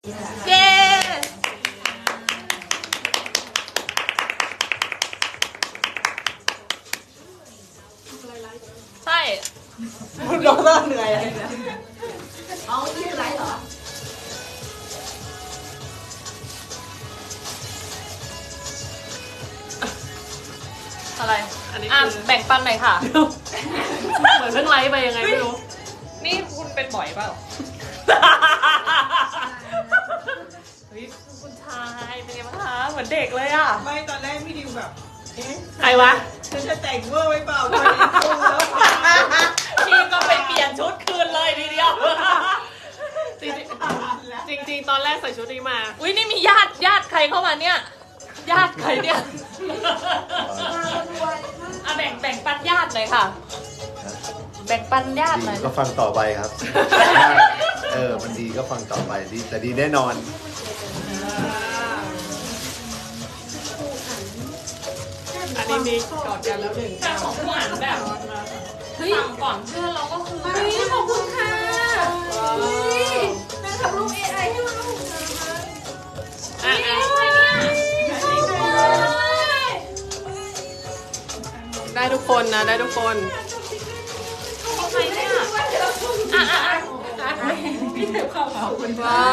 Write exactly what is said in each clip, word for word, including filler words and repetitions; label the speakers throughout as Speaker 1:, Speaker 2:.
Speaker 1: เย้ใช่
Speaker 2: คุณดรเหนื่อยอะไรนะ
Speaker 1: เอานี่คือไรเหรออะไรอันนี้แบ่งปันหน่อยค่ะเหมือนเพิ่งไลฟ์ไปยังไงไม่รู้นี่คุณเป็นบ่อยเปล่าเฮ้ยคุณชายเป็นไงบ้างคะเหมือนเด็กเลยอ่ะ
Speaker 2: ไม่ตอนแรกพี่ดิวแบบเอ๊ะ
Speaker 1: ใครวะ
Speaker 2: ฉันจะแต่งเวอร์ไว้เปล่าพอดีดูแล้ว
Speaker 1: พี่ก็ไปเปลี่ยนชุดคืนเลยทีเดียวจริงจริงๆตอนแรกใส่ชุดนี้มาอุ้ยนี่มีญาติญาติใครเข้ามาเนี่ยญาติใครเนี่ยอ่ะแบ่งแบ่งปันญาติหน่อยค่ะแบ่งปันญาติหน่อย
Speaker 3: ดีก็ฟังต่อไปครับ เออมันดีก็ฟังต่อไปดีแต่ดีแน่นอน
Speaker 1: อันนี้มีกอดกันแล้วหนึ่งแต่ของผู้อ่านแบบสั่งก่อนเพื่อนเราก็คือเฮ้ยขอบคุณค่ะนางทำรูป เอ ไอ ให้เราอ่ะอ่ะได้ทุกคนนะได้ทุกคนใครเนี่ยอ่ะอ่ะอ่ะพี่เทปเข้าขอบคุณว้าว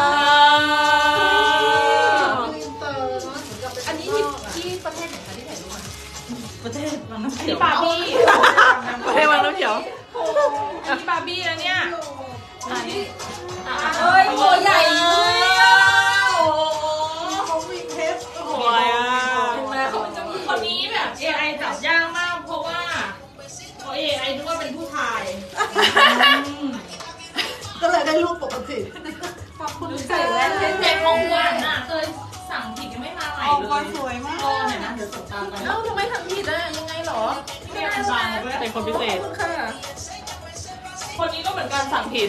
Speaker 1: อันนี้ที่ที่ประเทศไหนคะที่ถ่ายรูปมาประเทศวังน้ำเขียวบาร์บี้ประเทศวังน้ำเขียวอันนี้บาร์บี้แล้วเนี่ยอันนี้เฮ้ยตัวใหญ่เลยอ่ะโอ้โหเขามีเพชรโอ้ยอ่ะคนนี้แบบ เอ ไอ จับยากมากเพราะว่าเพราะ เอ ไอ นึกว่าเป็นผู้ชาย
Speaker 2: ก็เลยได้รูปปกติ
Speaker 1: ขอบคุณใส่แว่นเด็กของหวานอ่ะเคยสั่งผิดยังไม่มาใหม่เลย
Speaker 2: สวยมาก
Speaker 1: รอหน่อยนะเดี๋ยวส่งตามไปเอ้าทำไมทำผิดอ่ะยังไงหรอไม่ได้สั่งเป็นคนพิเศษค่ะคนนี้ก็เหมือนกันสั่งผิด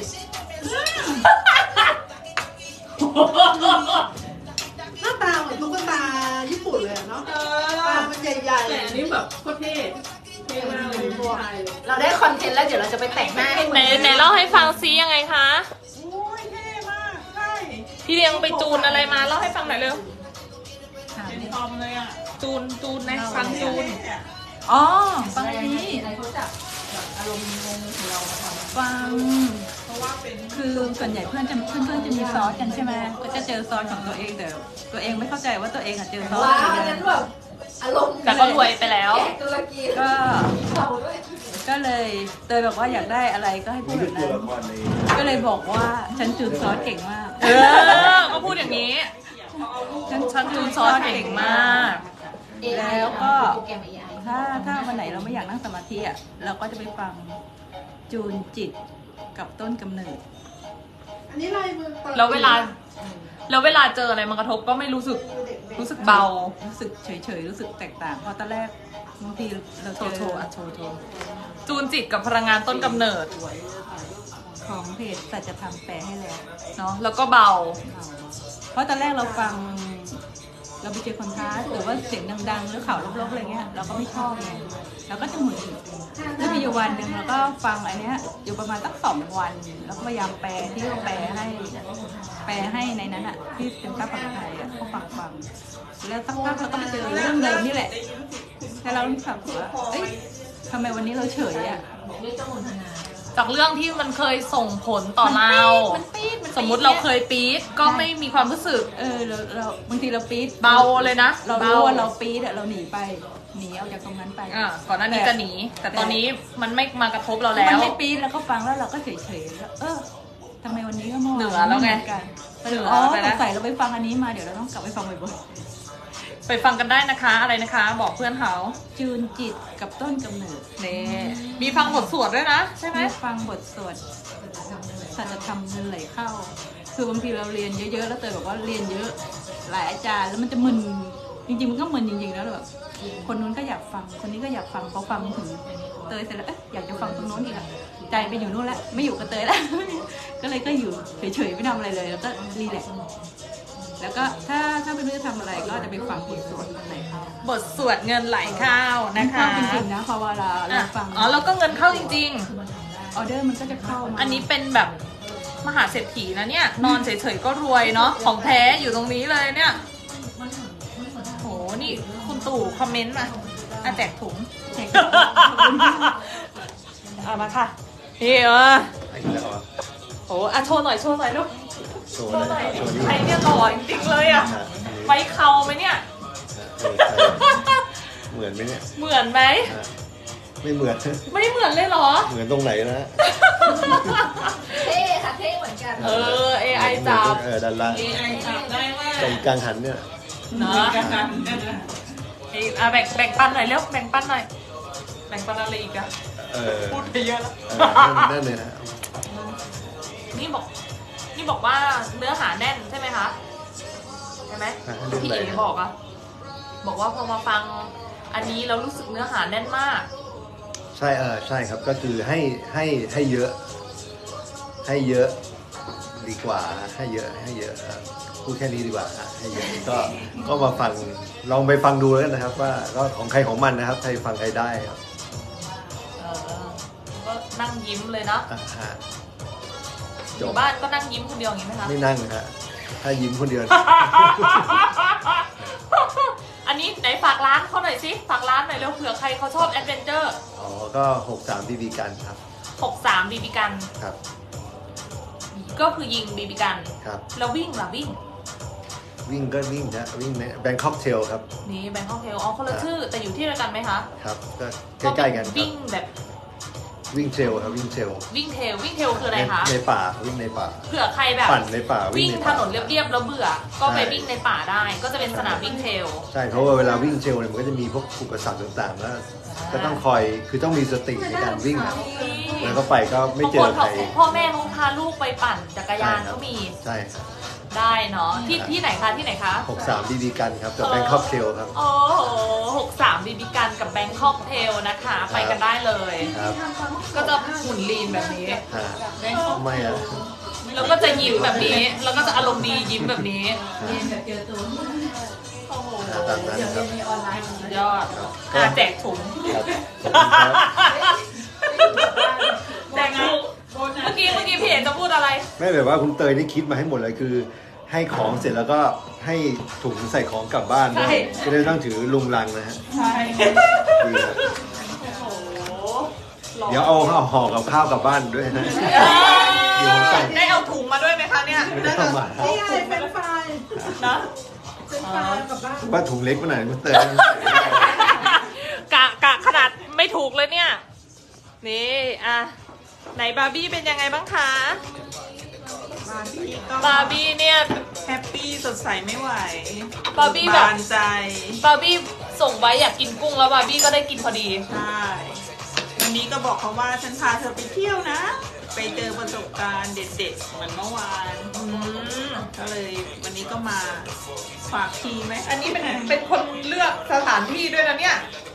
Speaker 2: หน้าตาเหมือนตุ๊กตาญี่ปุ่นเลยเนาะตามันใหญ่ๆ
Speaker 1: แต่อันนี้แบบโคตรเท่เท่มากเลย
Speaker 4: เราได้คอนเทนต์แล้วเดี๋ยวเราจะไปแต่งหน้าให้
Speaker 1: ไหนไหนเล่าให้ฟังซิยังไงคะ
Speaker 2: โอ้ยเท่มากใช่
Speaker 1: พี่เลี้ยงไปจูนอะไรมาเล่าให้ฟังหน่อยเร็ว
Speaker 2: เป็นทอมเลยอ่ะ
Speaker 1: จูนจูนนะฟังจูน
Speaker 4: อ๋อฟังนี้เขาจับอารมณ์งงของเราฟัง
Speaker 2: เพราะว่าเป็น
Speaker 4: คือส่วนใหญ่เพื่อนจะเพื่อนเพื่อนจะมีซอสกันใช่ไหมก็จะเจอซอสของตัวเองแต่ตัวเองไม่เข้าใจว่าตัวเองอะเจอซอสอะไรกัน
Speaker 1: อารมณ์แต่ก็รวยไปแล้ว
Speaker 4: ก็ก็เลยเตยบอกว่าอยากได้อะไรก็ให้พูดแบบนั้นก็เลยบอกว่าฉันจูนซอสเก่งมาก
Speaker 1: เออก็พูดอย่างนี้ฉันฉันจูนซอสเก่งมาก
Speaker 4: แล้วก็ถ้าถ้าวันไหนเราไม่อยากนั่งสมาธิอ่ะเราก็จะไปฟังจูนจิตกับต้นกำเนิด
Speaker 2: อันนี้ลายมือ
Speaker 1: แล้วเวลาแล้วเวลาเจออะไรมากระทบก็ไม่รู้สึกรู้สึกเบา
Speaker 4: รู้สึกเฉยๆรู้สึกแตกต่างเพราะตอนแรกบางทีเราเจอ
Speaker 1: โทอ่ะโทโทจูนจิตกับพลังงานต้นกำเนิด
Speaker 4: ของเพจสัจธรรมแปลให้แล้ว
Speaker 1: เนาะแล้วก็เบา
Speaker 4: เพราะตอนแรกเราฟังเราไปเจอคอนทราสต์หรือว่าเสียงดังๆหรือข่าวลบๆอะไรเงี้ยเราก็ไม่ชอบไงเราก็จะหงุดหงิดแล้วมีอยู่วันหนึ่งเราก็ฟังอันเนี้ยอยู่ประมาณสักสองวันแล้วก็พยายามแปลที่เขาแปลให้แปลให้ในนั้นอ่ะที่เป็นภาษาไทยอ่ะเขาฟังฟังแล้วสักพักเราก็มาเจอเรื่องเดิมนี่แหละแล้วเรารู้สึกว่าเอ้ยทำไมวันนี้เราเฉยอ่ะ
Speaker 1: จากเรื่องที่มันเคยส่งผลต่อเราสมมุติเราเคยปี๊ดก็ไม่มีความรู้สึก
Speaker 4: เออเราเราบางทีเราปี๊ด
Speaker 1: เบาเลยนะ
Speaker 4: เรารู้ว่าเราปี๊ดอะเราหนีไปหนีออกจากตรงนั้นไป
Speaker 1: อ่าก่อนหน้านี้จะหนีแต่ตอนนี้มันไม่มากระทบเราแล้ว
Speaker 4: มันไม่ปี๊ดแล้วก็ฟังแล้วเราก็เฉยเฉยแล้วเออทำไมวันนี้ก็มอง
Speaker 1: เหนือแล้วไง
Speaker 4: เหนืออ๋อสงสัยเราไปฟังอันนี้มาเดี๋ยวเราต้องกลับไปฟังบ่อย
Speaker 1: ไปฟังกันได้นะคะอะไรนะคะบอกเพื่อนเขา
Speaker 4: จูนจิตกับต้นกำเนิด
Speaker 1: เน่มีฟังบทสวดด้วยนะใช่ไหม
Speaker 4: ฟังบทสวดสัจธรรมเงินไหลเข้าคือบางทีเราเรียนเยอะๆแล้วเตยบอกว่าเรียนเยอะหลายอาจารย์แล้วมันจะมึนจริงๆมันก็มึนจริงๆแล้วแบบคนนู้นก็อยากฟังคนนี้ก็อยากฟังพอฟังถึงเตยเสร็จแล้วเอ๊ะอยากจะฟังตรงโน้นอีกอะใจไปอยู่นู่นแล้วไม่อยู่กับเตยแล้วก็เลยก็อยู่เฉยๆไม่ทำอะไรเลยแล้วก็รีแลกซ์แล้วก็ถ้าถ้าไม่รู้จะทำอะไรก็จะไปฟังบทสวดไหลเข้า
Speaker 1: บทสวดเงินไหลเข้านะคะ
Speaker 4: จริงๆนะพอเวลาเราฟัง
Speaker 1: อ๋อแล้วก็เงินเข้าจริง
Speaker 4: ๆออเดอร์มันก็จะเข้า
Speaker 1: อันนี้เป็นแบบมหาเศรษฐีนะเนี่ยนอนเฉยๆก็รวยเนาะของแท้อยู่ตรงนี้เลยเนี่ยโหนี่คุณตู่คอมเมนต์มาอ่ะแจกถุงเอามาค่ะนี่เออ
Speaker 3: ไอ้แล้วอ่ะ
Speaker 1: โหอ่ะโชว์หน่อยโชว์หน่อยลูก
Speaker 3: โชว์
Speaker 1: โชว์ห
Speaker 3: ห
Speaker 1: น่
Speaker 3: น่
Speaker 1: อ
Speaker 3: อย ยโชว์นิ้ว
Speaker 1: ใครเนี่ยหล่อจริงๆเลยอ่ะไว้เขาไหมเนี่ย
Speaker 3: เออใช่เหมือนไหมเนี่ย
Speaker 1: เหมือนไหม
Speaker 3: อ่ะไม่เหมือน
Speaker 1: ไม่เหมือนเลยเหรอ
Speaker 3: เหมือนตรงไหนนะ
Speaker 5: เท่ค่ะเท่เหมือนกัน
Speaker 1: เออ เอ ไอ จับ
Speaker 3: เออด้านล่าง
Speaker 1: เอ ไอ จับได้ว่า
Speaker 3: ตรงกลางหันเนี่ย
Speaker 1: เนาะเอ้ยอ่ะแบ่งแบ่งปันหน่อยเร็วแบ่งปันหน่อยแบ่งปันอะไรอีกอะ
Speaker 3: เออ
Speaker 1: พูดไปเยอะแล้ว
Speaker 3: เออนั่นเลยนะ
Speaker 1: นี่บอก นี่บอกว่าเนื้อหาแน่นใช่ไหมคะใช่ไหม
Speaker 3: อ่ะเรื่อง
Speaker 1: พี่
Speaker 3: อะไร
Speaker 1: เอ๋บอกอะบอกว่าพอมาฟังอันนี้เรารู้สึกเนื้อหาแน่นมาก
Speaker 3: ใช่เออใช่ครับก็คือให้ให้ให้เยอะ ให้เยอะดีกว่าให้เยอะให้เยอะครับพูดแค่นี้ดีกว่าฮะให้เยอะก็ก็มาฟังลองไปฟังดูแล้วกันนะครับ ว่าก็ของใครของมันนะครับใครฟังใครได้ครับ
Speaker 1: เออก็นั่งยิ้มเลยเนาะ
Speaker 3: อ่ะฮะ
Speaker 1: อ
Speaker 3: จ
Speaker 1: ยู่
Speaker 3: บ
Speaker 1: บ้านก็นั่งยิ้มคนเดียวอย่างนี้ไหมคะ
Speaker 3: ไม่นั่งฮะถ้ายิ้มคนเดียว
Speaker 1: อันนี้ไหนฝากร้านเขาหน่อยสิฝากร้านหน่อยเร็วเผื่อใครเขาชอบแอดเวนเจอร์
Speaker 3: อ๋อก็หกสามบีบีกันครับ
Speaker 1: หกสามบีบีกัน
Speaker 3: ครับ
Speaker 1: ก็คือยิงบีบีกัน
Speaker 3: ครับ
Speaker 1: แล้ววิ่งล่ะวิ่ง
Speaker 3: วิ่งก็วิ่งนะวิ่งในแบงคอกเทลครับ
Speaker 1: นี่แบงคอกเทลอ๋อคนละชื่อแต่อยู่ที่เดียวกันไหมคะ
Speaker 3: ครับก็ใกล้ๆกันครับ
Speaker 1: วิ่งแบบ
Speaker 3: วิ่งเทรลครับวิ่งเทรล
Speaker 1: วิ่งเทลวิ่งเทลคืออะไร
Speaker 3: ใน
Speaker 1: คะ
Speaker 3: ในป่าวิ่งในป่า
Speaker 1: เผื่อใครแบบ
Speaker 3: ปั่นในป่า
Speaker 1: วิ่ง
Speaker 3: ใน
Speaker 1: ถ
Speaker 3: ป่าน
Speaker 1: นเรียบๆแล้วเบื่อ ก็ไป
Speaker 3: ใช่
Speaker 1: วิ่งในป่าได้ ก็จะเป็นสนามวิ่งเทล
Speaker 3: ใช่เพราะว่าเวลาวิ่งเทรลเนี่ยมันก็จะมีพวกอุปสรรคต่างๆแล้วก็ต้องคอยคือต้องมีสติในการวิ่ง แล้วก็ไปก็ไม่เจอใคร
Speaker 1: พ่อแม่เขาพาลูกไปปั่นจักรยาน
Speaker 3: ใช่ครับ
Speaker 1: ก็มี
Speaker 3: ใช่ครับ
Speaker 1: ได้เนาะที่ที่ไหนคะที่ไหนคะ
Speaker 3: หกสามบีบีกันครับกับแบงคอกเทลครับ
Speaker 1: โอ้โหหกสามบีบีกันกับแบงคอกเทลนะคะ ไปกันได้เลย
Speaker 3: ครับ
Speaker 1: ก็จะหุ่นลีนแบบนี้
Speaker 3: ฮะไม่อะ
Speaker 1: แล้วก็จะยิ้มแบบนี้ แล้วก็จะอารมณ์ดียิ้มแบบนี้
Speaker 2: เรียนแบบเจอตัว
Speaker 1: โอ้โห
Speaker 3: ตามนั้นครับ
Speaker 2: มีออนไลน์
Speaker 1: สุดยอดอ่ะแจกถุง
Speaker 3: ครับขอบคุณครับ
Speaker 1: แจกถุงเมื่อกี้เมื่อกี้พี่เอกจะพูดอะไร
Speaker 3: ไม่แบบว่าคุณเตยนี่คิดมาให้หมดเลยคือ ให้ของเสร็จแล้วก็ให้ถุงใส่ของกลับบ้านด้วย
Speaker 1: ใช่
Speaker 3: จะได้ต้องถือลุงลังนะฮะ
Speaker 1: ใช่
Speaker 3: ดีครับ
Speaker 1: โอ้โห
Speaker 3: เดี๋ยวเอาเอาห่อกับข้าวกลับบ้านด้วยนะ เดี๋ยวผมใส่
Speaker 1: ได้เอาถุงมาด้วยไหมคะเนี่ย
Speaker 3: ไม่ได้เอามา
Speaker 2: นี่ไงเป็นไฟล์
Speaker 1: นะ
Speaker 2: เป็นไฟล์กลับบ้าน
Speaker 3: ว่าถุงเล็กไปหน่อยคุณเตย
Speaker 1: กะกะขนาดไม่ถูกเลยเนี่ย นี่อ่ะไหนบาร์บี้เป็นยังไงบ้างคะ
Speaker 6: บาร์บี้ก็
Speaker 1: บาร์บี้เนี่ย
Speaker 6: แฮปปี้สดใสไม่ไหว
Speaker 1: บาร์บี้แบบ
Speaker 6: บานใจ
Speaker 1: บาร์บี้ส่งไว้อยากกินกุ้งแล้วบาร์บี้ก็ได้กินพอดี
Speaker 6: ใช่วันนี้ก็บอกเขาว่าฉันพาเธอไปเที่ยวนะ ไปเจอประสบการณ์เด็ดๆเหมือนเมื่อวาน
Speaker 1: อืม
Speaker 6: ก็เลยวันนี้ก็มาฝากทีไหม
Speaker 1: อันนี้เป็นเป็นคนเลือกสถานที่ด้วยนะเนี่ย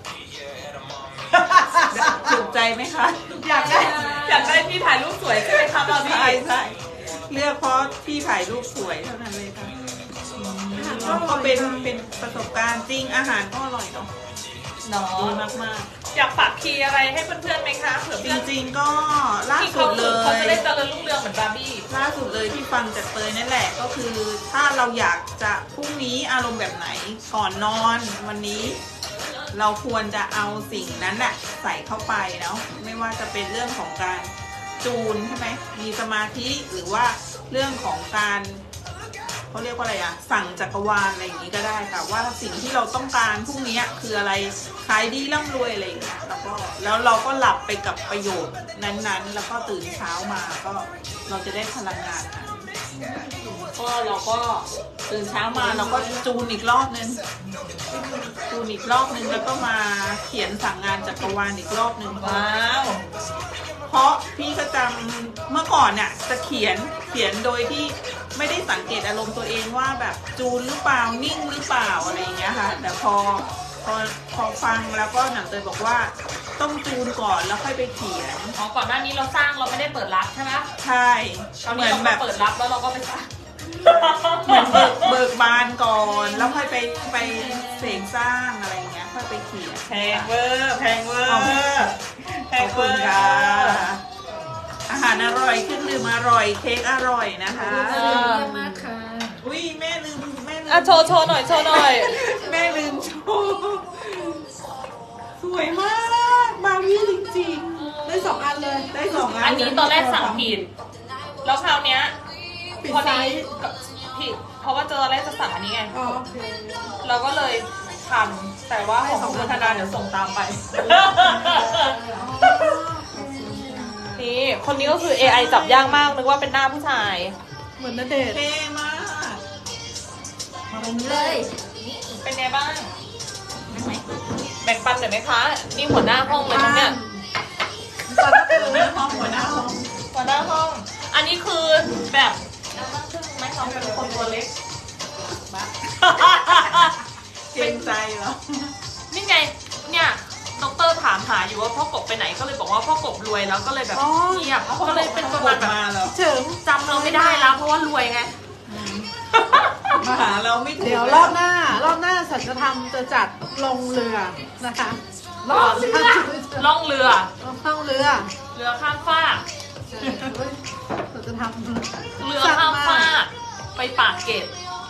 Speaker 6: ถูกใจไหมคะ
Speaker 1: อยากได้อยากได้ที่ถ่ายรูปสวยใช่ไหมคะบาร์บี้
Speaker 6: ใช่ใช่เลือกเพราะที่ถ่ายรูปสวยเท่านั้นเลยค่ะแล้วก็เป็นเป็นประสบการณ์จริงอาหารก็อร่อยเนาะ
Speaker 1: เนาะ
Speaker 6: ดีมาก
Speaker 1: อยากฝากคีย์อะไรให้เพื่อนๆไหมคะเผื่อ
Speaker 6: ๆ จ
Speaker 1: เพื่อน
Speaker 6: ริงๆก็ล่า
Speaker 1: ที่
Speaker 6: สุ
Speaker 1: เขา
Speaker 6: ดเล
Speaker 1: เขาจะได้
Speaker 6: ย
Speaker 1: เจริญรุ่งเรืองเหมือนบาร์บี้
Speaker 6: ล่าสุดเลยที่ฟังจากเตยนั่นแหละก็คือถ้าเราอยากจะพรุ่งนี้อารมณ์แบบไหนก่อนนอนวันนี้ เราควรจะเอาสิ่งนั้นแหละใส่เข้าไปเนาะไม่ว่าจะเป็นเรื่องของการจูนใช่ไหมมีสมาธิหรือว่าเรื่องของการเขาเรียกว่าอะไรอะสั่งจักรวาลอะไรอย่างนี้ก็ได้ค่ะว่าสิ่งที่เราต้องการพรุ่งนี้คืออะไรขายดีร่ำรวยอะไรอย่างเงี้ยแล้วก็แล้วเราก็หลับไปกับประโยชน์นั้นๆ แล้วก็ตื่นเช้ามาก็เราจะได้พลังงานนั้นก็เราก็ตื่นเช้ามาเราก็จูนอีกรอบนึงจูนอีกรอบนึงแล้วก็มาเขียนสั่งงานจักรวาลอีกรอบนึง
Speaker 1: ว้าว
Speaker 6: เพราะพี่ก็จำเมื่อก่อนเนี่ยจะเขียนเขียนโดยที่ไม่ได้สังเกตอารมณ์ตัวเองว่าแบบจูนหรือเปล่านิ่งหรือเปล่าอะไรอย่างเงี้ยค่ะแต่พอพอพอฟังแล้วก็หนังเตยบอกว่าต้องจูนก่อนแล้วค่อยไปเขียน
Speaker 1: อ๋อก่อนหน้านี้เราสร้างเราไม่ได้เปิดรับใช่ไหม
Speaker 6: ใช่
Speaker 1: ตอน
Speaker 6: เห
Speaker 1: นี้
Speaker 6: มือน
Speaker 1: เรา
Speaker 6: แบ
Speaker 1: แบบ บเปิดรับแล้วเราก็ไปสร้าง
Speaker 6: เหมือนเบิกเบิกบานก่อนแล้วค่อยไปไปเสกสร้างอะไรอย่างเงี้ยค่อยไปเขียน
Speaker 1: แพงเวอร์แพงเวอร์
Speaker 6: เอา
Speaker 1: แพ
Speaker 6: ข
Speaker 1: ง
Speaker 6: อบ
Speaker 1: เว
Speaker 6: คุ
Speaker 1: อ
Speaker 6: ณ
Speaker 1: ร์
Speaker 6: ค่ะอาหารอร่อยเครื่องดื่มอร่อยเค้กอร่อยนะคะ
Speaker 5: เยี่ยมมากค่ะ
Speaker 6: อุ้ยแม่ลืมแม่ลื
Speaker 1: อ่ะ
Speaker 6: ม
Speaker 1: โชว์โชว์หน่อยโชว์หน่อย
Speaker 6: แม่ลืมโชว์สวยมากบาร์บี้จริง
Speaker 2: ได้สองอันเลย
Speaker 6: ๆได้สองอัน
Speaker 1: อันนี้ตอนแรกสั่งผิดแล้วคราวเนี้ย
Speaker 2: ปิด
Speaker 1: พอ
Speaker 2: ไซ
Speaker 1: ดี
Speaker 2: ส์
Speaker 1: ผิดเพราะว่าเจอตอนแรกจะสั่งอันนี้ไง
Speaker 2: อ๋อโอเค
Speaker 1: เราก็เลยทำแต่ว่าของคุณธนาเดี๋ยวส่งตามไป นี่คนนี้ก็คือ เอ ไอ จับยากมากนึกว่าเป็นหน้าผู้ชาย
Speaker 2: เหมือนณเดชน์
Speaker 6: เท่มาก
Speaker 5: มาตรงนี้เลย
Speaker 1: เป็นไงบ้าง แบ่งปันหน่อยไหมคะ นี่หัวหน้าห้องเลยนะเนี่ย
Speaker 2: ตอนนั้นคือ
Speaker 6: หัวหน้าห้องหัวหน้าห้อง
Speaker 1: หัวหน้าห้อง อันนี้คือแบบนั่งครึ่งไหมน้องเป็นคนตัวเล็ก
Speaker 6: เกรงใจเหรอ
Speaker 1: นี่ไง เนี่ยดอกเตอรถามหาอยู่ว่าพ่อกบไปไหนก็เลยบอกว่าพ่อกบรวยแล้วก็เลยแบบเงียบก็เลยเป็นประมาณแบบ
Speaker 6: มาแล้ว
Speaker 2: เฉิง
Speaker 1: จำเราไม่ได้แล้วเพราะว่ารวยไง
Speaker 6: มาหาเราไม่ถูก
Speaker 2: เดี๋ยวรอบหน้ารอบหน้าสัจธรรมจะจัดลงเรือนะคะรอบเรือ
Speaker 1: ล่องเรือ
Speaker 2: ล่องเรือ
Speaker 1: เรือข้ามฟาก
Speaker 2: สัจธรรม
Speaker 1: เรือข้ามฟากไปปากเกร็ด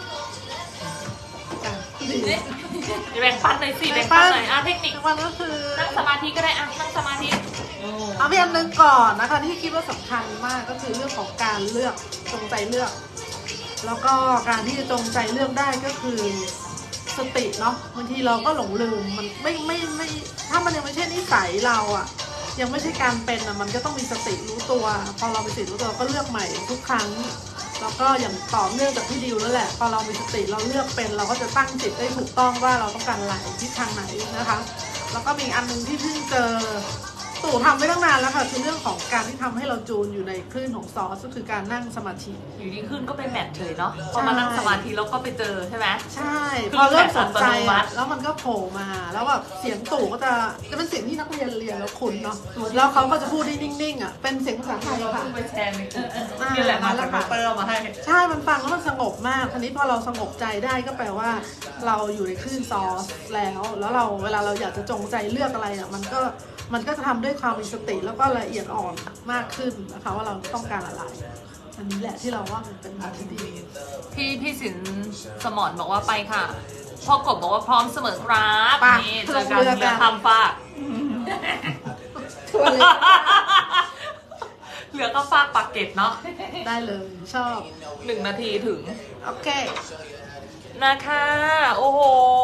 Speaker 2: จ้ะ
Speaker 1: แบ่งปันหน่อยสิแบ่งปันหน่อยอ่ะเทคนิค
Speaker 2: วันก็คือ
Speaker 1: นั่งสมาธิก็ได้อ่ะนั่งสมาธิ
Speaker 2: เอาเพียงหนึ่งก่อนนะคะที่คิดว่าสำคัญมากก็คือเรื่องของการเลือกจงใจเลือก แล้วก็การที่จะจงใจเลือกได้ก็คือสติเนาะบางทีเราก็หลงลืมมันไม่ไม่ไม่ถ้ามันยังไม่ใช่นิสัยเราอะยังไม่ใช่การเป็นอะมันก็ต้องมีสติรู้ตัว พอเรามีสติรู้ตัวก็เลือกใหม่ทุกครั้ง แล้วก็อย่างต่อเนื่องจากพี่ดิวนั่นแหละพอเรามีสติเราเลือกเป็นเราก็จะตั้งจิตได้ถูกต้องว่าเราต้องการอะไรทิศทางไหนนะคะ แล้วก็มีอันนึงที่เพิ่งเจอตู่ทำไว้ตั้งนานแล้วค่ะคือเรื่องของการที่ทำให้เราจูนอยู่ในคลื่นของซอสก็คือการนั่งสมาธิ
Speaker 1: อยู่ดีขึ้นก็เป็นแมทเลยเนาะพอมานั่งสมาธิแล้วก็ไปเจอใช่ไหม
Speaker 2: ใช่
Speaker 1: คือ
Speaker 2: พอเริ่มสนใจ
Speaker 1: แบบอัตโนมั
Speaker 2: อะ
Speaker 1: ติ
Speaker 2: แล้วมันก็โผล่มาแล้วแบบเสียงตู่ก็จะจะเป็นเสียงที่นักเรียนเรียนแล้วคุ้นเนาะแล้วเขาก็จะพูดได้นิ่งๆอ่ะเป็นเสียงภาษาไทย
Speaker 1: เรา
Speaker 2: ค่ะ
Speaker 1: เพิ่งไปแชร์ในกลุ่มนี่แหละมาจากดอกเตอร์เอามาให้
Speaker 2: ใช่มันฟังแล้วมันสงบมากทีนี้พอเราสงบใจได้ก็แปลว่า เราอยู่ในคลื่นซอสแล้ว แล้วเราเวลาเราอยากจะจงใจเลือกอะไรอ่ะมันก็มันก็จะทำด้วยความมีสติแล้วก็ละเอียดอ่อนมากขึ้นนะคะว่าเราต้องการอะไร อันนี้แหละที่เราว่ามันเป็นทางที่ดี
Speaker 1: พี่พี่สินสมรบอกว่าไปค่ะพ่อกบบอกว่าพร้อมเสมอครับ
Speaker 2: ไป
Speaker 1: นี่เจอกัน
Speaker 2: ลงเรือกัน
Speaker 1: เรือข้ามฟาก
Speaker 2: ทัวร์เลย
Speaker 1: เรือข้ามฟากปากเกร็ดเนาะ
Speaker 2: ได้เลยชอบ
Speaker 1: หนึ่งนาทีถึง
Speaker 2: โอเค
Speaker 1: นะคะ โอ้โห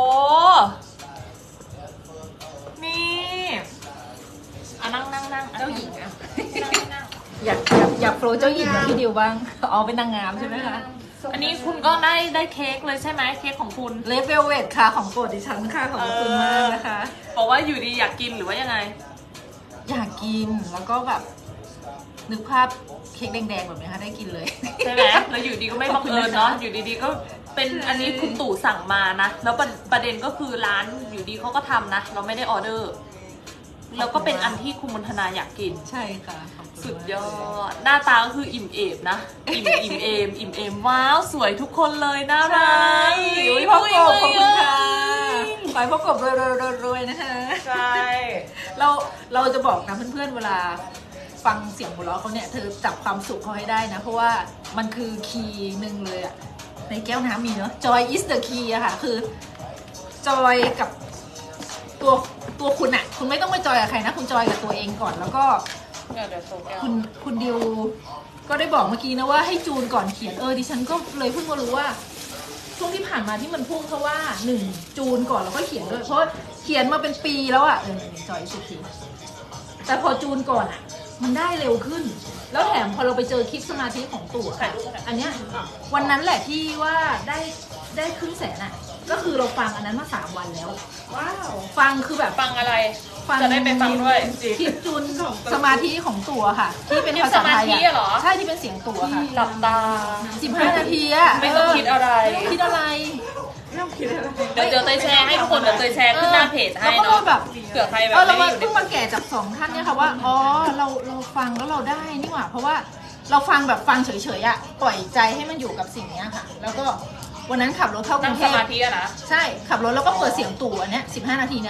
Speaker 1: นี่อ่ะนั่งนั่งนั่ง
Speaker 4: เจ้าหญิงอะ
Speaker 1: นั่งนั่ง
Speaker 4: อยากอยากอยากโปรเจ้าหญิงกับพี่ดิวบ้างอ๋อเป็นนางงามใช่ไหมคะ
Speaker 1: อันนี้คุณก็ได้ได้เค้กเลยใช่ไหมเค้กของคุณ
Speaker 4: เลเวลเวทค่ะของโปรดดิฉันค่ะขอบคุณมากนะคะ
Speaker 1: บอกว่าอยู่ดีอยากกินหรือว่ายังไง
Speaker 4: อยากกินแล้วก็แบบนึกภาพเค้กแดงๆแบบนี้ค่ะได้กินเลย
Speaker 1: ใช่ไหมแล้วอยู่ดีก็ไม่บังเอิญเนาะ อยู่ดีๆก็เป็นอันนี้คุณตู่สั่งมานะ แล้วประประเด็นก็คือร้านอยู่ดีเขาก็ทำนะ เราไม่ได้ออเดอร์ แล้วก็เป็นอันที่คุณมนทนาอยากกิน
Speaker 4: ใช่ค่ะขอบคุณ
Speaker 1: สุดยอ
Speaker 4: มาก
Speaker 1: ด หน้าตาก็คืออิ่มเอมนะ อิ่มอิ่มเอม อิ่มเอม ว้าว สวยทุกคนเลยน่ารัก
Speaker 4: อุ้ยพ่อกบขอบคุณค่ะขอให้พ่อกบรวยๆๆๆนะคะ
Speaker 1: ใช่
Speaker 4: เราเราจะบอกนะเพื่อนๆเวลาฟังเสียงหัวเราะเขาเนี่ยเธอจับความสุขเขาให้ได้นะ เพราะว่ามันคือคีย์หนึ่งเลยอะในแก้วน้ำมีเนาะ joy is the key อะค่ะคือ joy กับตัวตัวคุณอะคุณไม่ต้องไปจอยกับใครนะคุณจอยกับตัวเองก่อน แล้วก็
Speaker 1: เดี๋ยวเดี๋ยวโซแก้ว
Speaker 4: คุณคุณดิวก็ได้บอกเมื่อกี้นะว่าให้จูนก่อนเขียนเออดิฉันก็เลยเพิ่งมารู้ว่าช่วงที่ผ่านมาที่มันพุ่งเพราะว่าหนึ่งจูนก่อนแล้วก็เขียนด้วยเพราะเขียนมาเป็นปีแล้วอะเออจอยสุดทีแต่พอจูนก่อนอะมันได้เร็วขึ้น แล้วแถมพอเราไปเจอคลิปสมาธิของตู่อะค่ะอันเนี้ยวันนั้นแหละที่ว่าได้ได้ครึ่งแสนอะก็คือเราฟังอันนั้นมาสามวันแล้ว
Speaker 2: ว้าว
Speaker 4: ฟังคือแบบ
Speaker 1: ฟังอะไร
Speaker 4: ฟัง
Speaker 1: จะได้ไปฟังด้วยจริง
Speaker 4: คลิปจูนสมาธิของตัวค่ะ ที่เป็นภาษาไทย
Speaker 1: คลิปสมาธิอะเหรอ
Speaker 4: ใช่ที่เป็นเสียงตัวค่ะ
Speaker 1: หลับตา
Speaker 4: สิบห้านาทีอะ
Speaker 1: ไม่ต้องคิดอะไร
Speaker 4: ไม่ต้องคิดอะไร
Speaker 6: ไม่ต้องคิดอะไร
Speaker 1: เดี๋ยวเดี๋ยวเตยแชร์ให้ทุกคนเดี๋ยวเตยแชร์ขึ้นหน้าเพจให้
Speaker 4: แล้วก็
Speaker 1: เนาะ
Speaker 4: แบบ
Speaker 1: เผื่อใครแบบ
Speaker 4: เออเรา
Speaker 1: ไม่
Speaker 4: มา
Speaker 1: ได้อยู่ใน
Speaker 4: เพิ่งมาแก่จากสองท่านเนี่ยค่ะว่าอ๋อเราเราฟังแล้วเราได้นี่หว่าเพราะว่าเราฟังแบบฟังเฉยๆอะปล่อยใจให้มันอยู่กับสิ่งเนี้ยค่ะ แล้วก็วันนั้นขับรถเข้าก
Speaker 1: นั่
Speaker 4: รุ
Speaker 1: ง
Speaker 4: งเท
Speaker 1: ส
Speaker 4: พ
Speaker 1: มาธิอะนะ
Speaker 4: ใช่ขับรถแล้วก็เปิดเสียงตู่อันเนี้ยสิบห้านาทีเนี่ย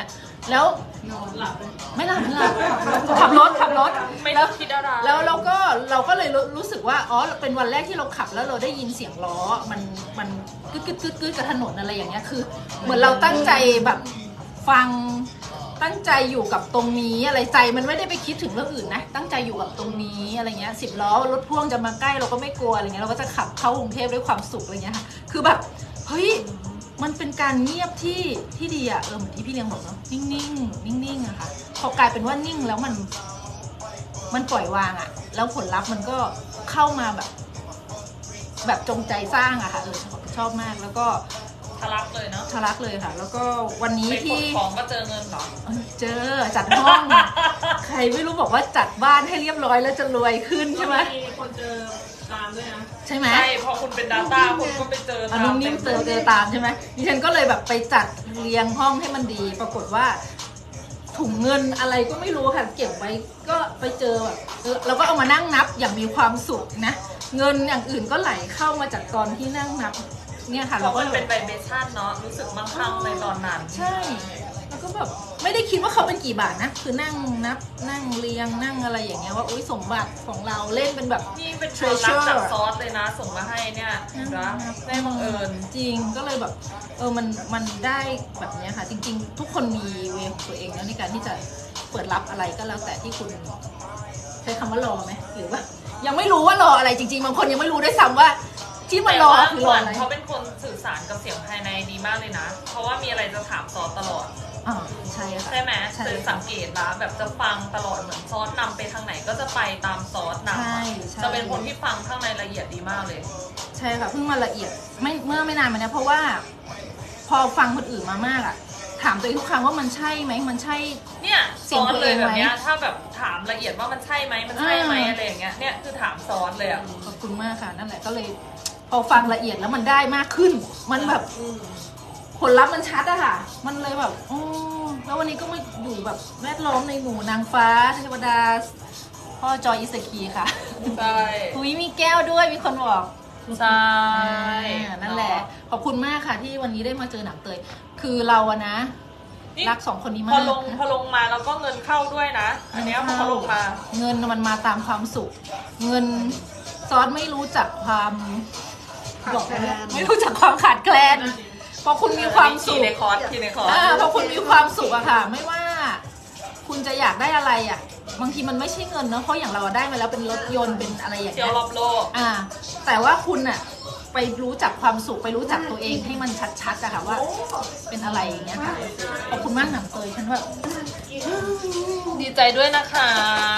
Speaker 1: แล้ว
Speaker 2: นอนหลับเลย
Speaker 1: ไม่หลับไม่หลับขับรถขับรถ
Speaker 6: ไม่
Speaker 1: แล้ว
Speaker 6: คิดอะไร
Speaker 1: แล้วเราก็เราก็เลยรู้รู้สึกว่าอ๋อเป็นวันแรกที่เราขับแล้วเราได้ยินเสียงล้อมันมันกึดกึดกึดกึดกับถนนอะไรอย่างเงี้ยคือ เหมือนเราตั้งใจแบบฟังตั้งใจอยู่กับตรงนี้อะไรใจมันไม่ได้ไปคิดถึงเรื่องอื่นนะตั้งใจอยู่กับตรงนี้อะไรเงี้ยสิบล้อรถพ่วงจะมาใกล้เราก็ไม่กลัวอะไรเงี้ยเราก็จะขับเข้ากรุงเทพด้วยความสุขอะไรเงี้ยค่ะคือแบบเฮ้ยมันเป็นการเงียบที่ที่ดีอะเออเหมือนที่พี่เลี้ยงบอกเนาะนิ่งๆนิ่งๆอะค่ะพอกลายเป็นว่านิ่งแล้วมันมันปล่อยวางอะแล้วผลลัพธ์มันก็เข้ามาแบบ แบบจงใจสร้างอะค่ะเออชอบมากแล้วก็
Speaker 6: ทะลักเลยเนาะ
Speaker 1: ทะลักเลยค่ะ แล้วก็วันนี้
Speaker 6: ไปข
Speaker 1: ที่
Speaker 6: นของก็เจอเงินเหรอ
Speaker 1: เอ้ยเจอจัดห้อง ใครไม่รู้บอกว่าจัดบ้านให้เรียบร้อยแล้วจะรวยขึ้นใช่ไหม
Speaker 2: มีคนเจอตามด้วยนะ
Speaker 1: ใช่ไหม
Speaker 6: ใช่พอคุณเป็น Data คุณก็ไปเจอ
Speaker 1: อนุนิ่มเจอเจอตามใช่ไหมดิฉันก็เลยแบบไปจัดเรียงห้องให้มันดี ปรากฏว่าถุงเงินอะไรก็ไม่รู้ค่ะเก็บไว้ก็ไปเจอแบบเออเราก็เอามานั่งนับอย่างมีความสุขนะเงินอย่างอื่นก็ไหลเข้ามาจากตอนที่นั่งนับเนี่ยค่ะ
Speaker 6: เพ
Speaker 1: เรา
Speaker 6: ราะ
Speaker 1: ก็
Speaker 6: มันเป็นไวเบชั่นเนาะรู้สึกมั่งคั่งในตอนนั้น
Speaker 1: ใช่แล้วก็แบบไม่ได้คิดว่าเขาเป็นกี่บาทนะคือนั่งนับนั่งเรียงนั่งอะไรอย่างเงี้ยว่าอุ้ยสมบัติของเราเล่นเป็นแบบ
Speaker 6: นี่เป็นความรักจากซอสเลยนะ ส่งมาให้เนี่ยนะได้บังเอิญ
Speaker 1: จริงก็เลยแบบเออมันมันได้แบบเนี้ยค่ะ จริง ๆ ทุกคนมีเวของตัวเองนะในการที่จะเปิดรับอะไรก็แล้วแต่ที่คุณใช้คำว่ารอไหมหรือว่า ยังไม่รู้ว่ารออะไรจริงๆบางคนยังไม่รู้ด้วยซ้ำว่าที่มันรอคือรออะไร
Speaker 6: เขาเป็นคนสื่อสารกับเสียงภายในดีมากเลยนะ เพราะว่ามีอะไรจะถามซอสตลอด
Speaker 1: อ่าใช่ค่ะ
Speaker 6: ใช่ไหม
Speaker 1: ใช่
Speaker 6: คือสังเกตนะแบบจะฟังตลอดเหมือนซอสนำไปทางไหนก็จะไปตามซอสนำ
Speaker 1: ใช่
Speaker 6: อะ
Speaker 1: ใช่
Speaker 6: จะเป็นคนที่ฟังข้างในละเอียดดีมากเลย
Speaker 1: ใช่ค่ะเพิ่งมาละเอียดไม่เมื่อไม่นานมาเนี้ยเพราะว่าพอฟังคนอื่นมามากอะถามตัวเองทุกครั้งว่ามันใช่ไหมมันใช่
Speaker 6: เนี่ย
Speaker 1: เสี
Speaker 6: ซ
Speaker 1: ยง
Speaker 6: อส
Speaker 1: ตัว
Speaker 6: เล
Speaker 1: เอย งไหม
Speaker 6: แบบเนี้ยถ้าแบบถามละเอียดว่ามันใช่ไหมมันใช่ไหม
Speaker 1: อ่า
Speaker 6: อะไรอย่างเงี้ยเนี่ยคือถามซอสเลยอ่ะ
Speaker 1: ขอบคุณมากค่ะนั่นแหละก็เลย พอฟังละเอียดแล้วมันได้มากขึ้น มันแบบผลลัพธ์มันชัดอะค่ะ มันเลยแบบโอ้แล้ววันนี้ก็มาอยู่แบบแวดล้อมในหมู่นางฟ้าเทวดาพ่อจอยอิสกีค่ะ
Speaker 6: ใช่
Speaker 1: คุยมีแก้วด้วยมีคนบอก
Speaker 6: ใช่
Speaker 1: อ่านั่นแหละ ขอบคุณมากค่ะที่วันนี้ได้มาเจอหนังเตย คือเราอะนะ
Speaker 6: นี่
Speaker 1: รักสองคนนี้
Speaker 6: พ
Speaker 1: มา
Speaker 6: อก ลงพอลงมาแล้วก็เงินเข้าด้วยนะ อันเนี้ยพอเขาลงมา
Speaker 1: เงินมันมาตามความสุข เงินซอสไม่รู้จักความ
Speaker 2: ขาดแคลน
Speaker 1: ไม่รู้จักความขาดแคลนพอคุณมีความสุ
Speaker 6: ที
Speaker 1: ข
Speaker 6: ในคอร์สทีในคอร์ส
Speaker 1: อ่าพอคุณมีความสุขอะค่ะ ไม่ว่า คุณจะอยากได้อะไรอะบางทีมันไม่ใช่เงินเนอะเพราะอย่างเราได้มาแล้วเป็นรถยนต์เป็นอะไรอย่าง
Speaker 6: เที่ย
Speaker 1: เงี้
Speaker 6: วย รอบโลก
Speaker 1: อ่า แต่ว่าคุณอะไปรู้จักความสุขไปรู้จักตัวเองให้มันชัดๆอะค่ะว่า เป็นอะไรอย่างเงี้ยค่ะขอบคุณมากหนังเตยฉันแบบ
Speaker 6: ดีใจด้วยนะคะ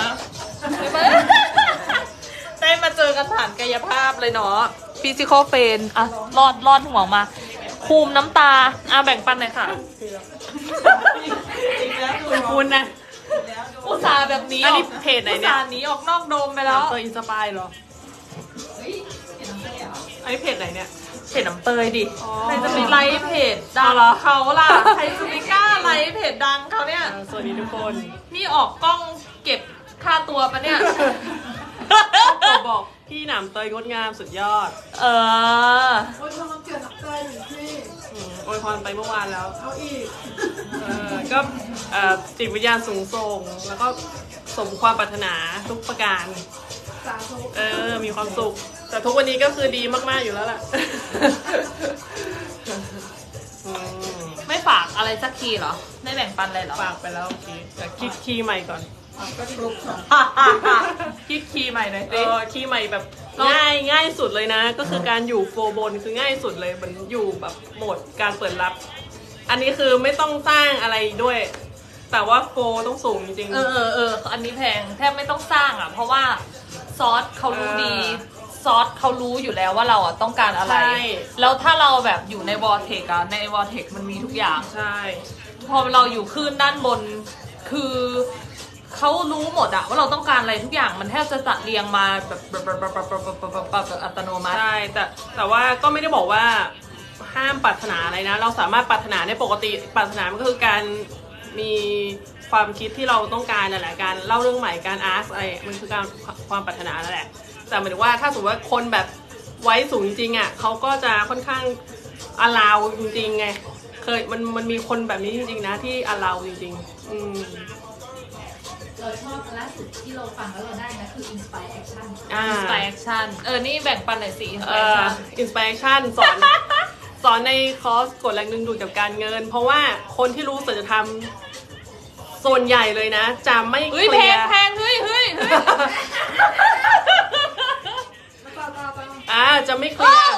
Speaker 6: ได้มาเจอกันผ่านกายภาพเลยเนาะฟิสิกอลเฟนอ่ะรอดรอดห่วงมา คูมน้ำตาอ่ะแบ่งปันหน่อยค่ะ
Speaker 2: คุณนะ
Speaker 6: อุตส่าห์แบบนี้
Speaker 2: อันนี้เพจไหนเนี่ย
Speaker 6: อุตส่าห์หนีออกนอกโดมไปแล้ว
Speaker 2: เตยอินสปายเหรออันนี้เพจไหนเนี่ย
Speaker 6: เพจน้ำเตยดิ
Speaker 2: อ๋อ
Speaker 6: ใครจะไปไลฟ์เพจดังเขาล่ะ ใครจะไปกล้าไลฟ์เพจดังเขาเนี่ย
Speaker 2: เออสวัสดีทุกคน
Speaker 6: นี่ออกกล้องเก็บค่าตัวปะเนี่ย
Speaker 2: ตัวบอกพี่หนามเตยงดงามสุดยอด
Speaker 6: เออ
Speaker 2: โอ้ยพรเกิดนักเตยหนึ่งที่โอ้ยพรไปเมื่อวานแล้ว เอาอีก เออก็เอ่อจิตวิญญาณสูงส่ง แล้วก็สมความปรารถนาทุกประการ เออ มีความสุข แต่ทุกวันนี้ก็คือดีมากๆอยู่แล้วล่ะอืม
Speaker 6: ไม่ฝากอะไรสักทีเหรอ ไม่แบ่งปันเลยเหรอ
Speaker 2: ฝากไปแล้วโอเคเดี๋ยวคิดคีย์ใหม่ก่อน
Speaker 6: คิดคีย์ใหม่หน่อย
Speaker 2: เอ
Speaker 6: สิ
Speaker 2: อคีย์ใหม่แบบง่ายง่ายสุดเลยนะ ก็คือการอยู่โฟร์บนคือง่ายสุดเลยมันอยู่แบบโหมดการเปิดรับ อันนี้คือไม่ต้องสร้างอะไรด้วย แต่ว่าโฟร์ต้องสูงจริง
Speaker 6: เออเออเอออันนี้แพงแทบไม่ต้องสร้างอ่ะ เพราะว่าซอสเขารู้ดี ซอสเขารู้อยู่แล้วว่าเราอ่ะต้องการอะไร
Speaker 2: ใช่
Speaker 6: แล้วถ้าเราแบบอยู่ในวอร์เทกอะในวอร์เทกมันมีทุกอย่าง
Speaker 2: ใช่
Speaker 6: พอเราอยู่คลื่นด้านบน คือเขารู้หมดอะว่าเราต้องการอะไรทุกอย่างมันแทบจะจัดเรียงมาแบบแบบแบบแบบแบบแบบแบบแบบอัตโนมัติ
Speaker 2: ใช่แต่แต่ว่าก็ไม่ได้บอกว่าห้ามปรารถนาอะไรนะ เราสามารถปรารถนาได้ปกติปรารถนามันก็คือการมีความคิดที่เราต้องการนั่นแหละการเล่าเรื่องใหม่การอาร์ตอะไรมันคือการความปรารถนานั่นแหละแต่หมายถึงว่าถ้าสมมติว่าคนแบบไว้สูงจริงๆอ่ะเขาก็จะค่อนข้างอลาวจริงๆไงเค
Speaker 7: ยมันมันมีคนแบบนี้จริงๆนะที่อาเราจริงๆอืม
Speaker 5: เราชอบล่าสุดที่เราฟังแล้วเราได้นะคือ Inspire Action
Speaker 7: อ่า
Speaker 1: Inspiration เออนี่แบ่งปันหน่อยสิ
Speaker 7: เอ่อ
Speaker 1: Inspiration
Speaker 7: inspiration สอน สอนในคอร์สกฎแรงดึงดูดกับการเงิน เพราะว่าคนที่รู้สัจธรรมส่วนใหญ่เลยนะจะไม่เค
Speaker 1: เฮ้ย
Speaker 7: ลี
Speaker 1: แพ
Speaker 7: ย
Speaker 1: ง
Speaker 7: ร์
Speaker 1: แพงเฮ้ยเฮ้ยเฮ้ย
Speaker 7: อ่าจะไม่เคลียร์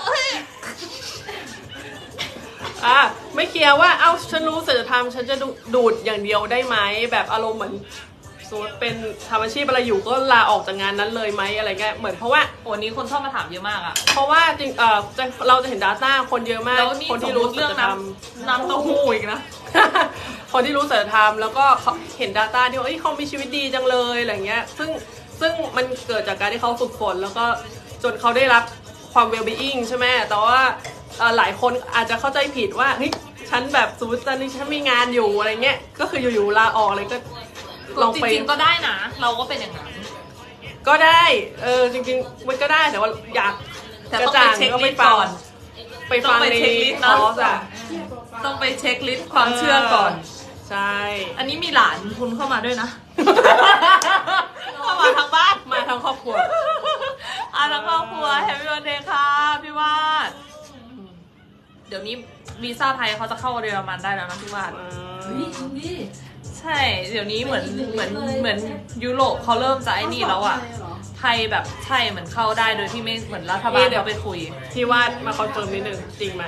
Speaker 7: อ่าไม่เคลียร์ว่าเอ้าฉันรู้สัจธรรมฉันจะดูดูดอย่างเดียวได้ไหมแบบอารมณ์เหมือนสมมติเป็นทำอาชีพอะไรอยู่ก็ลาออกจากงานนั้นเลยไหมอะไรเงี้ยเหมือนเพราะว่า
Speaker 1: โอ้นี้คนชอบมาถามเยอะมากอะ
Speaker 7: เพราะว่าจริงเออจะเราจะเห็น Data คนเยอะมาก
Speaker 1: แล้วนี่
Speaker 7: คนที่รู้
Speaker 1: เรื่อง
Speaker 7: สัจธรรม
Speaker 1: น้ำน้ำเต้าหู้อีกนะ
Speaker 7: คนที่รู้สัจธรรมแล้วก็เขาเห็น Data ที่ว่าเอ้ยเขามีชีวิตดีจังเลยอะไรเงี้ยซึ่งซึ่งมันเกิดจากการที่เขาฝึกฝนแล้วก็จนเขาได้รับความ well-being ใช่ไหมแต่ว่าเอ่อหลายคนอาจจะเข้าใจผิดว่าเฮ้ยฉันแบบสมมติตอนนี้ฉันมีงานอยู่อะไรเงี้ยก็คืออยู่ๆลาออกอะไรก็ลอง
Speaker 1: จ
Speaker 7: ไป
Speaker 1: ริงๆก็ได้นะ เราก็เป็นอย่างนั้น
Speaker 7: ก็ได้เออจริงๆมันก็ได้แต่ว่าอยาก
Speaker 1: แต่
Speaker 7: กระ
Speaker 1: ต้อง
Speaker 7: จ่า
Speaker 1: ไป
Speaker 7: ง
Speaker 1: เช็ค
Speaker 7: ก็
Speaker 1: ลิ
Speaker 7: ไป
Speaker 1: สต์
Speaker 7: ฟัง
Speaker 1: ก่อน
Speaker 7: ไปฟัง
Speaker 1: ต้องไป
Speaker 7: ใน
Speaker 1: เช็คลิสต์
Speaker 7: ค
Speaker 1: นะ
Speaker 7: อร์สอะ
Speaker 1: ต้องไปเช็คลิสต์ความเชื่อก่อน
Speaker 7: ใช่
Speaker 1: อันนี้มีหลานคุณเข้ามาด้วยนะ เข้ามาทางบ้าน
Speaker 7: มาทั้งครอบครัว
Speaker 1: อ่ะทั้งครอบครัวแฮปปี้วันเดย์ค่ะพี่วาดเดี๋ยวนี้วีซ่าไทยเขาจะเข้าเยอรมันได้แล้วนะพี่วาด
Speaker 5: เฮ้ยจริงดิ
Speaker 1: ใช่ เดี๋ยวนี้เหมือน
Speaker 5: ไปอีกหนึ่ง
Speaker 1: เหมือน
Speaker 5: เลย
Speaker 1: เหมือนยุโรปเขาเริ่มจะไอ้นี่แล้วอ่ะ
Speaker 5: เขาสอนไทยเหรอ
Speaker 1: ไทยแบบใช่เหมือนเข้าได้โดยที่ไม่เหมือนรัฐบาลเขาไปคุย
Speaker 7: ที่วาดมาคอนเฟิร์มนิดนึงจริงไหม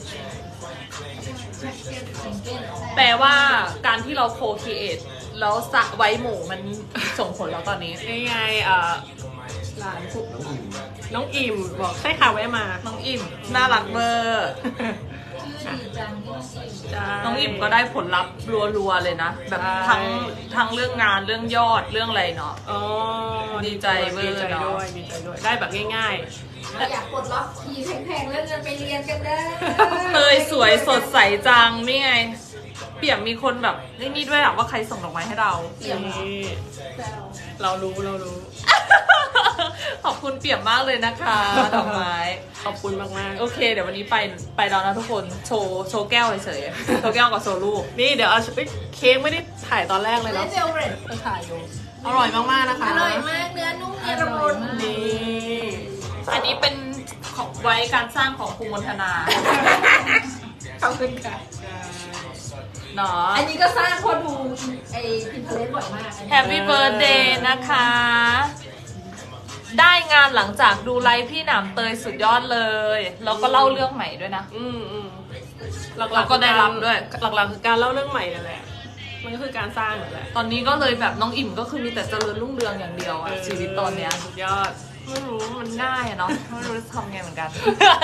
Speaker 1: แปลว่าการที่เราโคเคียตแล้วสะไว้หมู่มันส่งผลแล้วตอนนี้
Speaker 7: นี่ไงเอ่อหลานคุน้องอิ่มบอกใช่ค่ะแวะมา
Speaker 1: น้องอิ่มน่ารักเบอร์
Speaker 5: ชื่อดีจังที่น้องสิ
Speaker 7: ใช่
Speaker 1: น้องอิ่มก็ได้ผลลัพธ์รัวๆเลยนะ แบบ
Speaker 7: ใช่
Speaker 1: ทั้งทั้งเรื่องงานเรื่องยอดเรื่องอะไรเนาะ
Speaker 7: อ๋อ
Speaker 1: ดีใจเวอร์
Speaker 7: ดีใจ
Speaker 1: เนอะ
Speaker 7: ด้วยดีใจด้วยได้แบบง่าย
Speaker 5: เราอยากปลดล็อกทีแพงๆแล้วเงินไปเรียนกันได้
Speaker 1: เตยสวยสดใสจังนี่ไง เปี่ยมมีคนแบบนี่นี่ด้วยอะว่าใครส่งดอกไม้ให้เรา
Speaker 7: ๆนี่เรารู้เรารู้
Speaker 1: ขอบคุณเปี่ยมมากเลยนะคะดอกไม้
Speaker 7: ขอบคุณมาก
Speaker 1: โอเค เดี๋ยววันนี้ไปไปแล้วนะทุกคนโชว์โชว์แก้วเฉยๆโชว์แก้วกับโชว์ลูก
Speaker 7: ๆนี่เดี๋ยวเอาเอ้ยเค้กไม่ได้ถ่ายตอนแรกเลย
Speaker 5: และ
Speaker 7: เนาะ
Speaker 5: เจลเบรด
Speaker 7: ไปถ่ายอยู่อร่อยมากๆนะคะ
Speaker 5: อร่อยมากเนื้อนุ่มเนียนละมุน
Speaker 7: นี่
Speaker 1: อันนี้เป็นของไว้การสร้างของครูมนธนา
Speaker 5: ขอบคุณค่ะ
Speaker 1: เนาะ
Speaker 5: อันนี้ก็สร้างเพอดูไอ้พินเทเลสบ่อยมากอันนี้
Speaker 1: แฮปปี้เบิร์ดเดย์นะคะ ได้งานหลังจากดูไลฟ์พี่หนามเตยสุดยอดเลย แล้วก็เล่าเรื่องใหม่ด้วยนะ
Speaker 7: อืมอืมหลักๆ
Speaker 1: เราก็ได้รับด้วย
Speaker 7: หลักๆคือการเล่าเรื่องใหม่นั่นแหละมันก็คือการสร้างนั่นแหละ
Speaker 1: ตอนนี้ก็เลยแบบน้องอิ่มก็คือมีแต่เจริญรุ่งเรืองอย่างเดียวอะชีวิตตอนเนี้ย
Speaker 7: สุดยอด
Speaker 1: ไม่รู้มันง่ายอะเนาะไม่รู้จะทำไงเหมือนกัน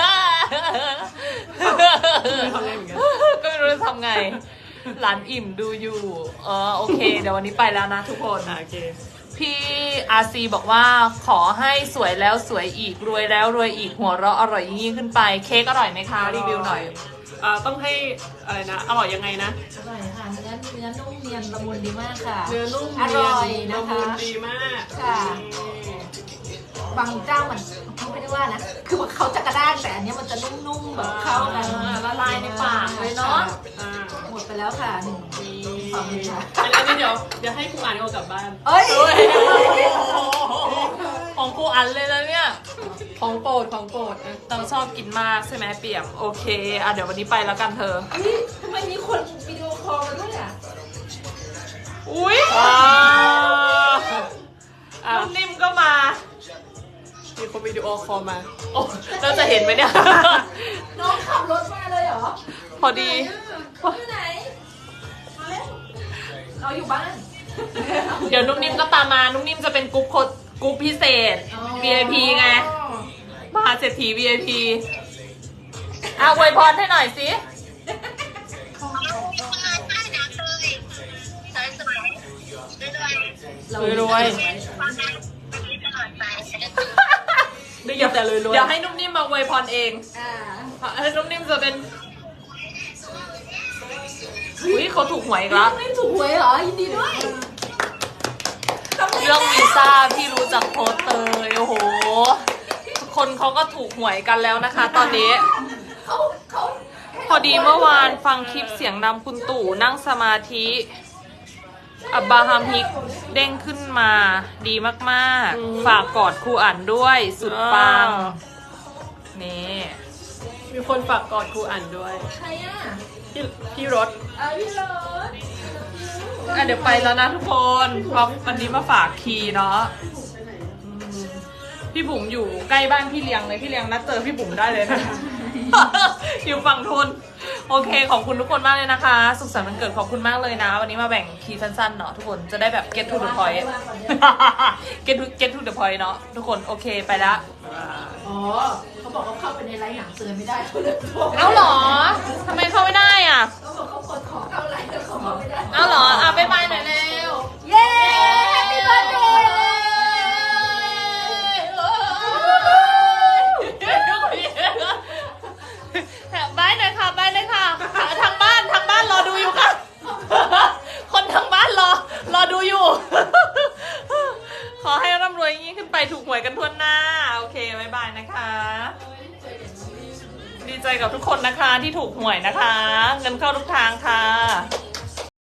Speaker 7: ไม่ทำไงเหมือนกัน
Speaker 1: ก็ไม่รู้จะทำไง หลานอิ่มดูอยู่เออโอเค เดี๋ยววันนี้ไปแล้วนะทุกคน
Speaker 7: อ่ะโอเค
Speaker 1: พี่อาซีบอกว่าขอให้สวยแล้วสวยอีกรวยแล้วรวยอีกหัวเราะอร่อยยิ่งขึ้นไปเค้กอร่อยไหมคะรีวิวหน่อย
Speaker 7: อ่าต้องให้อะไรนะอร่อยยังไงนะ
Speaker 5: อร่อยค่ะเนื้อเนื้อนุ่มเนียนละมุนดีมากค่ะ
Speaker 7: เนื้อนุ่ม
Speaker 5: อร่อย
Speaker 7: เนี
Speaker 5: นะ
Speaker 7: ละ
Speaker 5: คะ
Speaker 7: มุนดีมาก
Speaker 5: ค่ะ บางเจ้ามันเขาไม่ได้ว่านะ คือเขาจะกระด้างแต่อันเนี้ยมันจะนุ่มๆแบบเข้ากัน
Speaker 1: ละลายในปากเลยเนาะ
Speaker 7: อ่า
Speaker 5: หมดไปแล้วค่ะหนึ่งสองค่ะ
Speaker 7: อันนี้เดี๋ยวเดี๋ยวให้ครูอ่านเอากลับบ้าน
Speaker 5: เอ้ย
Speaker 1: ของกูอันเลยนะเนี่ย
Speaker 7: ของโปรดของโปรดอ่ะ
Speaker 1: เราชอบกินมากใช่ไหมเปี่ยมโอเคอ่ะเดี๋ยววันนี้ไปแล้วกันเธอ
Speaker 5: เฮ้ยทำไมมีคนวิดีโอคอลมาด้วยอ่ะ
Speaker 1: อุ้ย
Speaker 7: อ่าอ่ะ
Speaker 1: นุ่มนิ่มก็มา
Speaker 7: มีคนวิดีโอคอลมา
Speaker 1: โอ้เราจะเห็นไหมเนี่ย
Speaker 5: น้องขับรถมาเลยเหรอ
Speaker 1: พอดี
Speaker 5: ที่ไหนมาเร็วเราอยู่บ้าน
Speaker 1: เดี๋ยวนุ่มนิ่มก็ตามมา นุ่มนิ่มจะเป็นกรุ๊ปโคดกรุ๊ปพิเศษ วี ไอ พี ไง มหาเศรษฐี วี ไอ พี อ่ะอวยพรให้หน่อยสิ
Speaker 7: รวยๆได้ยินแต่รวยๆ
Speaker 1: เดี๋ยวให้นุ่มนิ่มมาอวยพรเอง
Speaker 5: อ่า
Speaker 1: ให้นุ่มนิ่มจะเป็นอุ้ยเขาถูกหวยอีกแล้ว
Speaker 5: ไม่ถูกหวยเหรอ ยินดีด้วย
Speaker 1: เรื่องวีซ่าพี่รู้จักโพสต์เตยโอ้โห คนเขาก็ถูกหวยกันแล้วนะคะ ตอนนี้
Speaker 5: เขาเขา
Speaker 1: พอดีเมื่อวานฟังคลิปเสียงนำคุณตู่นั่งสมาธิอับบราฮัมฮิกเด้งขึ้นมาดีมากๆฝากกอดครูอ่านด้วยสุดปังนี่
Speaker 7: มีคนฝากกอดครูอ่านด้วย
Speaker 5: ใครอ่ะ
Speaker 7: พี่พี่รถ
Speaker 5: อ่ะพี่รถ
Speaker 1: อ่ะเดี๋ยวไปแล้วนะทุกคนเพราะวันนี้มาฝากคีย์เนาะอืมพี่บุ๋มอยู่ใกล้บ้านพี่เลี้ยงเลยพี่เลี้ยงนัดเจอพี่บุ๋มได้เลยนะ อยู่ฝั่งทนโอเคขอบคุณทุกคนมากเลยนะคะ สุขสันต์วันเกิดขอบคุณมากเลยนะ วันนี้มาแบ่งคีย์สั้นๆเนาะทุกคนจะได้แบบ get to the point get to get to the point เนาะทุกคนโอเคไปละ
Speaker 5: อ๋อเขาบอกเขาเข้าไปในไลน์หนังเตือนไม่ได้เขาเลยบอก
Speaker 1: เอาเหรอทำไมเข้าไม่ได้อ่ะ
Speaker 5: เขาบอกเขากดขอเข้าไลน์แต่เขาเข้าไม่ได้
Speaker 1: เอาเหรออ่ะบ๊ายบายหน่อยเร็ว
Speaker 5: เย้ Happy birthday
Speaker 1: บายหน่อยค่ะบายเลยค่ะทางบ้านทางบ้านรอดูอยู่ค่ะ คนทางบ้านรอรอดูอยู่ ขอให้ร่ำรวยอย่างนี้ขึ้นไปถูกหวยกันทั่วหน้าโอเคบายบายนะคะ ดีใจกับทุกคนนะคะที่ถูกหวยนะคะ เงินเข้าทุกทางค่ะ